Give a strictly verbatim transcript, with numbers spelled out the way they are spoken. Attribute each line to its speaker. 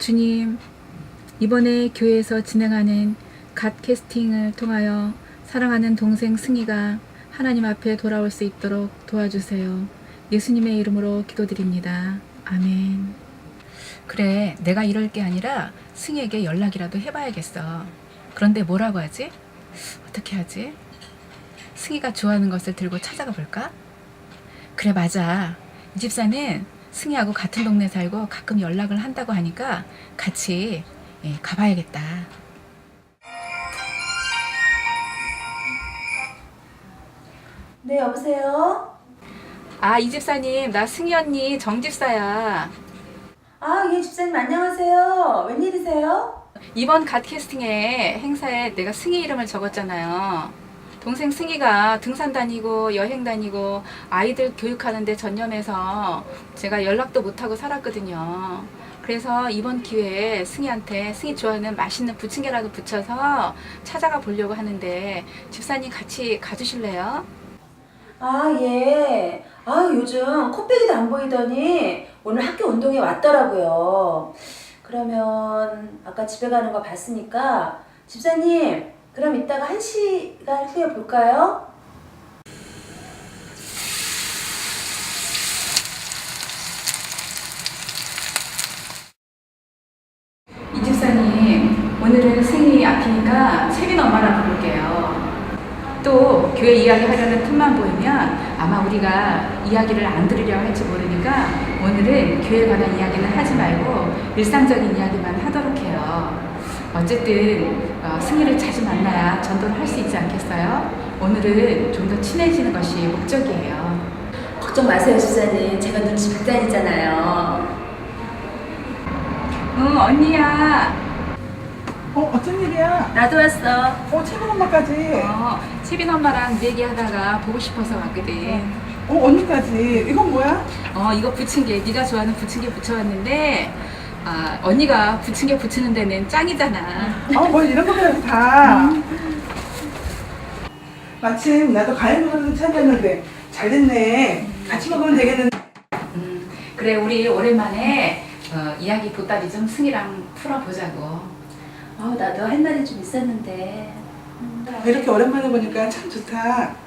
Speaker 1: 주님, 이번에 교회에서 진행하는 갓 캐스팅을 통하여 사랑하는 동생 승희가 하나님 앞에 돌아올 수 있도록 도와주세요. 예수님의 이름으로 기도드립니다. 아멘. 그래, 내가 이럴 게 아니라 승희에게 연락이라도 해봐야겠어. 그런데 뭐라고 하지? 어떻게 하지? 승희가 좋아하는 것을 들고 찾아가 볼까? 그래, 맞아. 이 집사는 승희하고 같은 동네 살고 가끔 연락을 한다고 하니까 같이 예, 가봐야겠다.
Speaker 2: 네, 여보세요?
Speaker 1: 아, 이 집사님, 나 승희 언니 정 집사야.
Speaker 2: 아, 예, 집사님 안녕하세요. 웬일이세요?
Speaker 1: 이번 갓 캐스팅의 행사에 내가 승희 이름을 적었잖아요. 동생 승희가 등산 다니고 여행 다니고 아이들 교육하는데 전념해서 제가 연락도 못하고 살았거든요. 그래서 이번 기회에 승희한테 승희 좋아하는 맛있는 부침개라도 부쳐서 찾아가 보려고 하는데 집사님 같이 가주실래요?
Speaker 2: 아, 예. 아, 요즘 코빼기도 안 보이더니 오늘 학교 운동회 왔더라고요. 그러면 아까 집에 가는 거 봤으니까 집사님, 그럼 이따가 한 시간 후에 볼까요?
Speaker 1: 이 집사님, 오늘은 승희 앞이니까 채빈 엄마라 부를게요. 또 교회 이야기 하려는 틈만 보이면 아마 우리가 이야기를 안 들으려 할지 모르니까 오늘은 교회에 관한 이야기는 하지 말고 일상적인 이야기만 하도록 해요. 어쨌든 어, 승희를 자주 만나야 전도를 할 수 있지 않겠어요? 오늘은 좀 더 친해지는 것이 목적이에요.
Speaker 2: 걱정 마세요, 집사님. 제가 눈치 빅 다니잖아요.
Speaker 1: 응, 언니야.
Speaker 3: 어, 어쩐 일이야?
Speaker 2: 나도 왔어.
Speaker 3: 어, 채빈 엄마까지.
Speaker 1: 어, 채빈 엄마랑 얘기하다가 보고 싶어서 왔거든.
Speaker 3: 어, 언니까지. 이건 뭐야?
Speaker 1: 어, 이거 부침개, 네가 좋아하는 부침개 부쳐왔는데 아, 언니가 부침개 부치는 데는 짱이잖아.
Speaker 3: 어, 뭘 이런 거까지 다. 마침 나도 과일 먹으러 찾았는데 잘 됐네. 같이 먹으면 되겠는데.
Speaker 1: 음, 그래, 우리 오랜만에 어, 이야기 보따리 좀 승희랑 풀어보자고.
Speaker 2: 아, 나도 할 말이 좀 있었는데.
Speaker 3: 이렇게 오랜만에 보니까 참 좋다.